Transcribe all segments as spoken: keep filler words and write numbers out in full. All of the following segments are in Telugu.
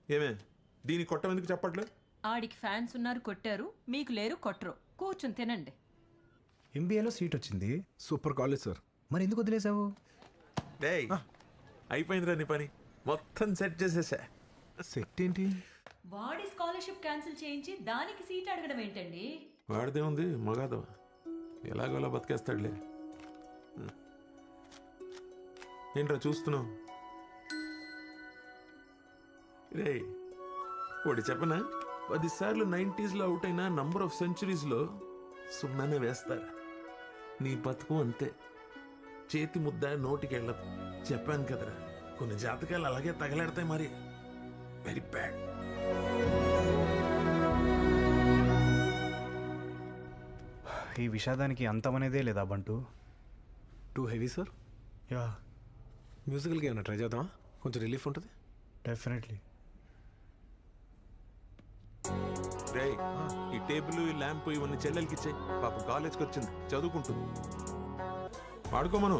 ఏమే దీని కొట్టం ఎందుకు చెప్పట్లేదు? ఆడికి ఫ్యాన్స్ ఉన్నారు కొట్టారు, మీకు లేరు కొట్టరు. కూర్చుని తినండి. ఎంబీఏలో సీట్ వచ్చింది. Super college sir. మరి ఎందుకు వదిలేసావు? డేయ్ అయిపోయిందిరా నీ పని, మొత్తం సెట్ చేసేసా. సెట్ ఏంటి? వాడి స్కాలర్షిప్ క్యాన్సిల్ చేయించి దానికి సీట్ అడగడం ఏంటండి? వాడిదే ఉంది మగాదవ, ఎలాగోలా బతికేస్తాడులే. ఏంట్రా చూస్తున్నావు? రే వాడి చెప్పనా, పదిసార్లు నైంటీస్లో అవుట్ అయిన నంబర్ ఆఫ్ సెంచురీస్లో సున్నానే వేస్తారు. నీ బతుకు అంతే, చేతి ముద్ద నోటికి వెళ్ళదు. చెప్పాను కదరా, కొన్ని జాతకాలు అలాగే తగలాడతాయి. మరి వెరీ బ్యాడ్. ఈ విషాదానికి అంతమనేదే లేదా Bantu? Too heavy sir. Yeah, మ్యూజికల్గా ఏమైనా ట్రై చేద్దామా? కొంచెం రిలీఫ్ ఉంటుంది. డెఫినెట్లీ. రే ఈ టేబుల్ ఈ ల్యాంప్ ఇవన్నీ చెల్లెలకి ఇచ్చాయి. పాపం కాలేజ్కి వచ్చింది, చదువుకుంటుంది. వాడుకోమను.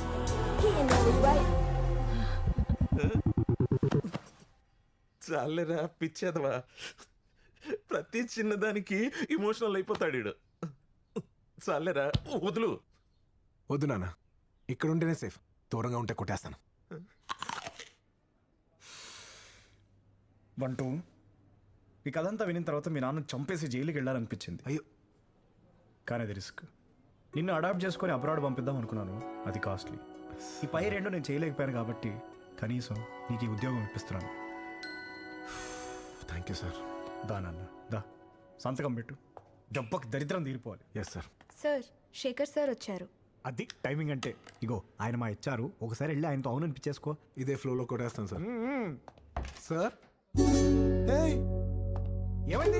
చాలేరా పిచ్చేదవా, ప్రతి చిన్నదానికి ఇమోషనల్ అయిపోతాడు వీడు. చాలేరా వదులు. వద్దు నాన్న, ఇక్కడ ఉంటేనే సేఫ్. దూరంగా ఉంటే కొట్టేస్తాను. బంటూ, ఈ కథంతా వినిన తర్వాత మీ నాన్న చంపేసి జైలుకి వెళ్ళాలనిపించింది. అయ్యో, కానీ అది రిస్క్. నిన్ను అడాప్ట్ చేసుకొని అబ్రాడ్ పంపిద్దాం అనుకున్నాను, అది కాస్ట్లీ. ఈ పై రెండు నేను చేయలేకపోయాను కాబట్టి కనీసం నీకు ఈ ఉద్యోగం ఇప్పిస్తున్నాను. Thank you sir. దా నాన్న దా, సంతకం పెట్టు. దెబ్బకి దరిద్రం తీరిపోవాలి. Yes sir. Sir, Shekhar sir వచ్చారు. అది టైమింగ్ అంటే. ఇగో ఆయన మా ఇచ్చారు, ఒకసారి వెళ్ళి ఆయనతో అవును అనిపించేసుకో. ఇదే ఫ్లోలో కొట్టేస్తాను సార్. సార్ ఏమైంది?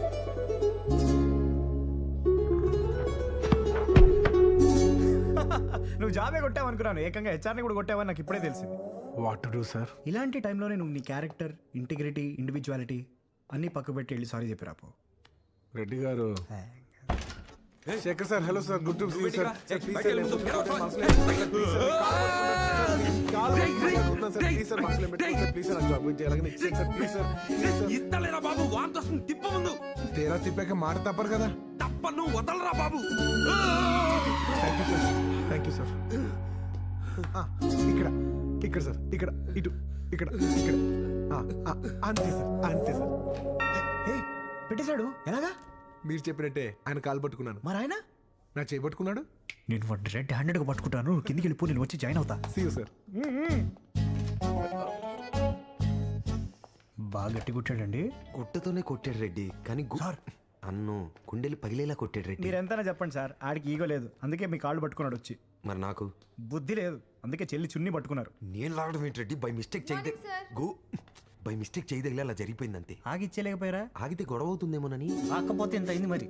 నువ్వు జాబే కొట్టావు అనుకున్నాను, ఏకంగా హెచ్ఆర్ని కూడా కొట్టావని నాకు ఇప్పుడే తెలిసింది. What to do sir? ఇలాంటి టైంలోనే నువ్వు నీ క్యారెక్టర్, ఇంటిగ్రిటీ, ఇండివిజువాలిటీ అన్నీ పక్క పెట్టి వెళ్ళి సారీ చెప్పి రాపో. రెడ్డి గారు. Shekhar sir, hello sir, good to see you sir. Sir please sir, నేను please sir marks limit sir, please sir job చేయాలని సార్, ప్లీజ్ సార్. ఇస్తలేరా బాబు, వాంతి వస్తుంది, తిప్ప ముందు. తేరా తిప్పాక మాట తప్పరు కదా. తప్పను, వదలరా బాబు. Thank you sir. ఇక్కడ ఇక్కడ సార్, ఇక్కడ ఇటు, ఇక్కడ ఇక్కడ అంతే సార్, అంతే సార్. పెట్టేశాడు ఎలాగా? మీరు చెప్పినట్టే ఆయన కాలు పట్టుకున్నాను. మరి ఆయన నా చేయి పట్టుకున్నాడు. నేను వాడిని రెడ్ హ్యాండెడ్గా పట్టుకుంటాను, కిందికి వెళ్ళిపో, నేను వచ్చి జాయిన్ అవుతా. See you sir. బాగా గట్టి కొట్టాడండి. గుట్టతోనే కొట్టాడు రెడ్డి, కానీ సార్ అన్ను కుండెలు పగిలేలా కొట్టాడు రెడ్డి. మీరు ఎంతైనా చెప్పండి సార్, ఆడికి ఈగో లేదు, అందుకే మీ కాళ్ళు పట్టుకున్నాడు వచ్చి. మరి నాకు బుద్ధి లేదు, అందుకే చెల్లి చున్ని పట్టుకున్నారు. నేను లాగడం ఏంటి రెడ్డి? బై మిస్టేక్ చేయదే గో బై మిస్టేక్ చేయదగిలే అలా జరిగిపోయింది అంతే. ఆగిచ్చేయలేకపోయారా? ఆగితే గొడవ అవుతుందేమోనని. కాకపోతే ఎంత అయింది మరి.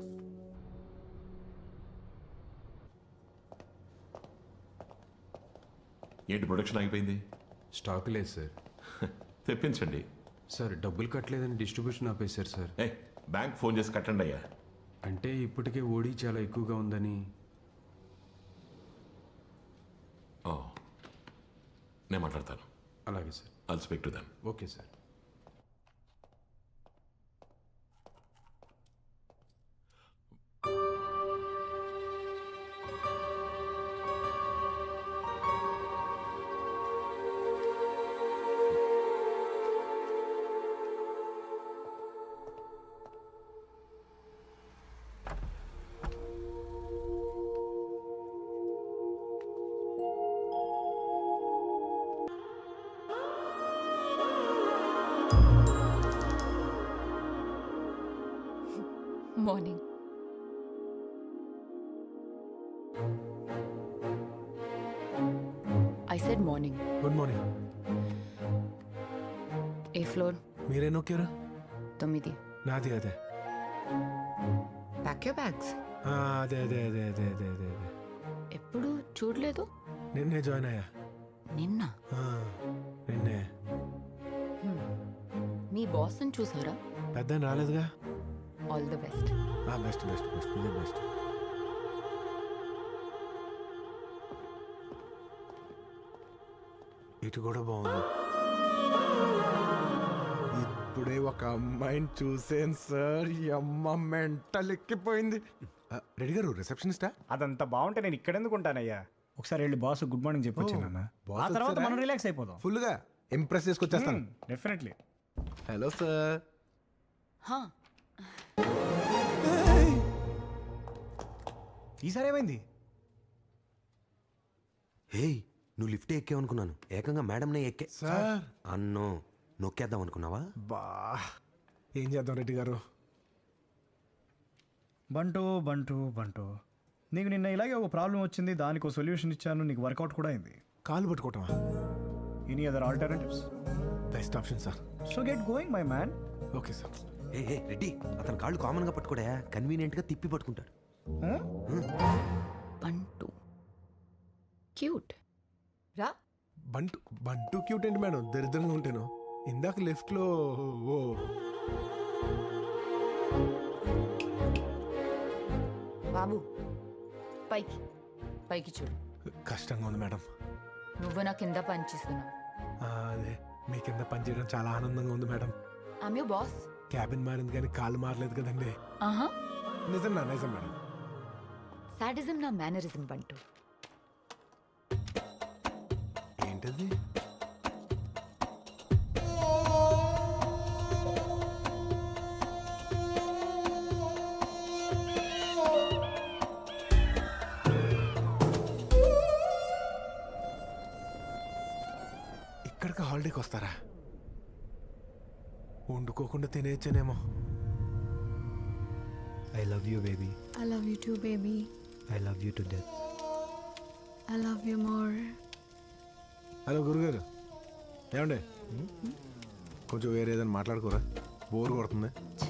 ఏంటి ప్రొడక్షన్ ఆగిపోయింది? స్టాక్ లేదు సార్. తెప్పించండి. సార్ డబ్బులు కట్టలేదని డిస్ట్రిబ్యూషన్ ఆపేశారు సార్. ఏ బ్యాంక్ ఫోన్ చేసి కట్టండి అయ్యా. అంటే ఇప్పటికే ఓడి చాలా ఎక్కువగా ఉందని. ఓ నేను మాట్లాడతాను. అలాగే sir. I'll speak to them. Okay sir. Morning. I said morning. Good morning. ఏ ఫ్లోర్? మీరే నొక్కారు? తొమ్మిది. నాది అదే. Pack your bags. అదే అదే అదే అదే అదే అదే అదే. ఎప్పుడు చూడలేదు. నిన్నే జాయిన్ అయ్యా. నిన్న నిన్నే. మీ బాస్ని చూసారా? పెద్ద రాలేదుగా. All the best. Best best best ఇదే బెస్ట్. ఇటు కూడా బాగుంది. ఒక అమ్మాయిని చూసాను సార్ ఈ అమ్మ మెంటల్ ఎక్కిపోయింది. ఆ, రెడ్డి గారు రిసెప్షనిస్టా? అదంతా బాగుంటే నేను ఇక్కడ ఎందుకు ఉంటానయ్యా? ఒకసారి వెళ్ళి బాస్ గుడ్ మార్నింగ్ చెప్పొచ్చానన్న. boss ఆ తర్వాత వచ్చారా? మనం రిలాక్స్ అయిపోదాం. ఫుల్గా ఇంప్రెస్ చేసుకొచ్చేస్తాను. డెఫినెట్లీ. Hello sir. హా, ఈసారి ఏమైంది? హేయ్ నువ్వు లిఫ్ట్ ఎక్కావనుకున్నాను, ఏకంగా మేడంనే ఎక్కే. సార్ అన్నో నొక్కేద్దాం అనుకున్నావా? బా ఏం చేద్దాం రెడ్డి గారు? బంటు బంటు బంటు నీకు నిన్న ఇలాగే ఒక ప్రాబ్లం వచ్చింది, దానికి ఒక సొల్యూషన్ ఇచ్చాను, నీకు వర్కౌట్ కూడా అయింది. కాలు పట్టుకోవటమా? Any other alternatives? Best option sir. So get going my man. Okay sir. ఏ ఏ రెడ్డి, అతని కాళ్ళు కామన్గా పట్టుకోడా, కన్వీనియంట్గా తిప్పి పట్టుకుంటాడు. బంటు క్యూట్. రా. బంటు బంటు క్యూట్ ఏంటి మేడం, దరిద్రంగా ఉంటాను. ఇందాక లెఫ్ట్లో ఓ బాబు పైకి పైకి చూడు. కష్టంగా ఉంది మేడం. నువ్వు నా కింద పనిచేస్తున్నావు. ఆ, అదే మీ కింద పనిచేయడం చాలా ఆనందంగా ఉంది madam. I'm your boss. Cabin మారింది కానీ కాలు మారలేదు కదండి. ఆహా, నిజం నా నిజం మేడం. సాడిజం నా మేనరిజం బంటు. ఏంటది? ఇక్కడికి హాలిడేకి వస్తారా? వండుకోకుండా తినేయచ్చానేమో. I love you baby. I love you too, baby. I love you to death. I love you more. Hello గురుగారు, ఏమండి కొంచెం వేరే ఏదైనా మాట్లాడుకోరా, బోర్ కొడుతుంది.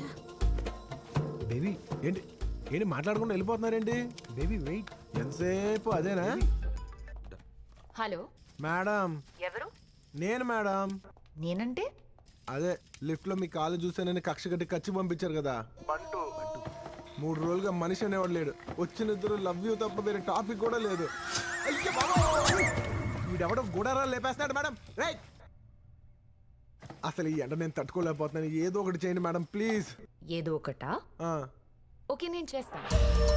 బేబీ ఏంటి ఏంటి మాట్లాడకుండా వెళ్ళిపోతున్నారేంటి? Baby wait. ఎంతసేపు అదేనా? హలో, మేడం ఎవరు? నేను మేడం. నేనంటే అదే లిఫ్ట్లో మీ కాలు చూసానని కక్ష కట్టి కచ్చి పంపించారు కదా. బంటు మూడు రోజులుగా మనిషి అనేవాడు లేడు. వచ్చిన ఇద్దరు లవ్ యూ తప్ప వేరే టాపిక్ కూడా లేదు. అయ్యో బాబోయ్! వీడెవడో గుడారా లేపేస్తున్నాడు మేడం. రైట్, అసలు ఈ ఎండ నేను తట్టుకోలేకపోతున్నాను. ఏదో ఒకటి చేయండి మేడం ప్లీజ్. ఏదో ఒకటా? ఓకే, నేను చేస్తాను.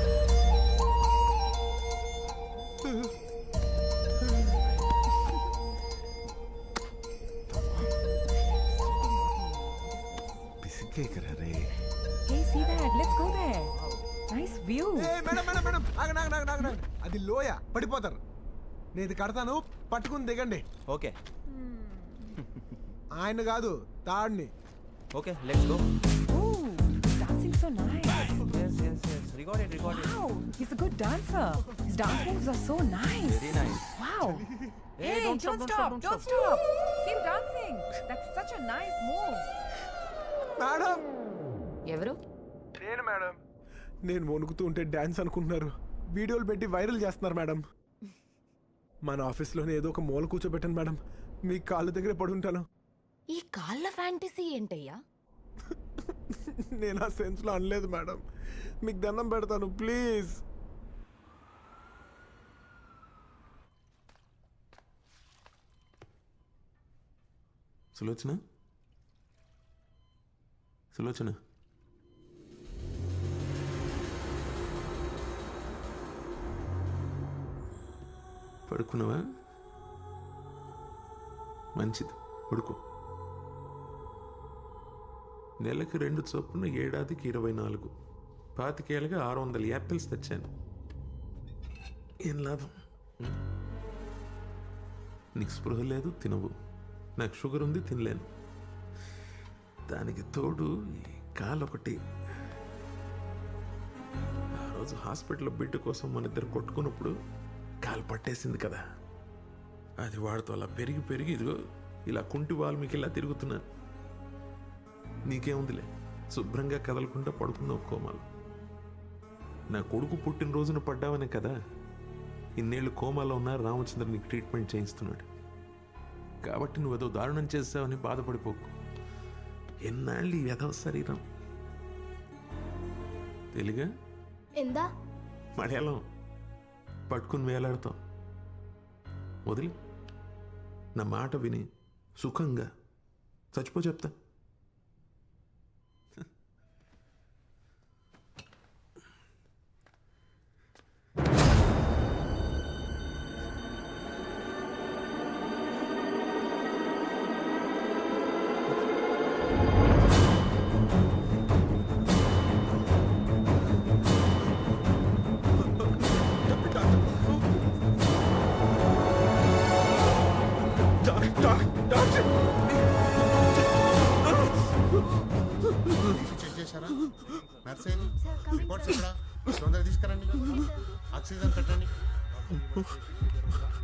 పిసికేకరా రే. Hey, see that? Let's go there. Nice view. ఏయ్ మేడం మేడం మేడం ఆగండి ఆగండి ఆగండి ఆగండి. అది లోయ, పడిపోతారు. నేను ఇది కడతాను, పట్టుకుని దిగండి. ఓకే ఆయన కాదు, తాడిని. Okay let's go. Ooh, dancing so nice. yes yes yes record it record Wow, he's a good dancer. His dance moves are so nice. very nice. Wow. Hey, don't don't, stop, stop, don't don't stop, stop. Keep dancing. That's such a nice move. Madam ఎవరు? నేను మేడం. నేను వణుకుతూ ఉంటే డ్యాన్స్ అనుకుంటున్నారు, వీడియోలు పెట్టి వైరల్ చేస్తున్నారు మేడం. మన ఆఫీస్లోనే ఏదో ఒక మూల కూర్చోబెట్టాను మేడం, మీ కాళ్ళ దగ్గరే పడి ఉంటాను. ఈ కాళ్ళ ఫ్యాంటసీ ఏంటయ్యా? నేను ఆ సెన్స్లో అనలేదు మేడం, మీకు దండం పెడతాను ప్లీజ్. సులోచన సులోచన పడుకున్నావా? మంచిది, పడుకో. నెలకు రెండు చొప్పున ఏడాదికి ఇరవై నాలుగు పాతికేళ్ళగా ఆరు వందల యాపిల్స్ తెచ్చాను. ఏం లాభం? నీకు స్పృహ లేదు, తినవు. నాకు షుగర్ ఉంది, తినలేను. దానికి తోడు ఈ కాలు ఒకటి. ఆ రోజు హాస్పిటల్లో బిడ్డ కోసం మన ఇద్దరు కొట్టుకున్నప్పుడు కాలు పట్టేసింది కదా, అది వాడితో అలా పెరిగి పెరిగి ఇదిగో ఇలా కుంటి వాల్మీకి ఇలా తిరుగుతున్నాను. నీకేముందిలే, శుభ్రంగా కదలకుండా పడుకున్నావు కోమాలో. నా కొడుకు పుట్టినరోజున పడ్డావనే కదా ఇన్నేళ్ళు కోమాలో ఉన్న రామచంద్ర నీకు ట్రీట్మెంట్ చేయిస్తున్నాడు. కాబట్టి నువ్వు ఏదో దారుణం చేస్తావని బాధపడిపోకు. ఎన్నాళ్ళు ఈ వ్యధవ శరీరం తెలుగా എന്താ మలయాళం పట్టుకుని వేలాడతాం. వదిలి నా మాట విని సుఖంగా చచ్చిపో చెప్తా. నర్సేది రిపోర్ట్స్ ఎక్కడ తొందరగా తీసుకురండి ఆక్సిజన్ పెట్టండి